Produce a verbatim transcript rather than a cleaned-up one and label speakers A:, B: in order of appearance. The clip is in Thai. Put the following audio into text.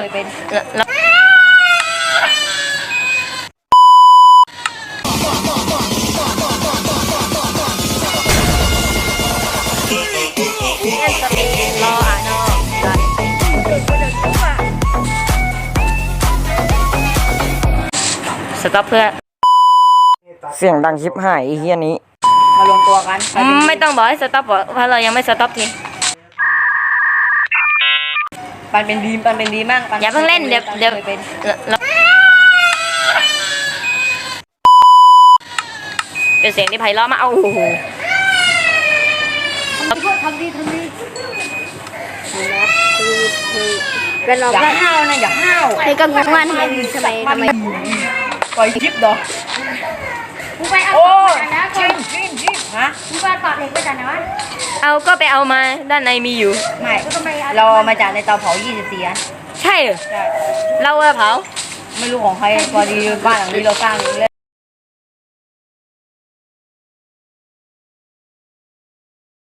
A: ยเป็นรออ่ะนอสต็อปเพื่อ
B: เสียงดังชิบหายไอ้เฮียนี้
A: มารวมตัวกัน
C: ไม่ต้องบอกให้สต็อปเพราะเรายังไม่สต็อปที
A: ปันเป็นดีมปันเป็นดีมาก
C: อย่าเพิ่งเล่นเดี๋ยวเดี๋ยว
A: เป็น
C: เป็นเสียงที่ไพเราะมากเอาโอ้โห
A: ทำดีทำดีเป็นเราอย่าห้าวนะอย่าห้าว
C: ไอ้ก็งงว่าทำไมทำไมทำไม
A: ปล่อยคลิปดอก
D: กูไปเอานะ
A: ชิมชิมชิมฮะ
D: กูไปต่อเหล็กไปจากไหนวะ
C: เอาก็ไปเอามาด้านในมีอยู่
A: ไม่เรามาจากในเตาเผายี่สิบสี่อัน
C: ใช่เหรอ
A: ใช่
C: เราเผา
A: ไม่รู้ของใครพอดีบ้านหลังนี้เราสร้าง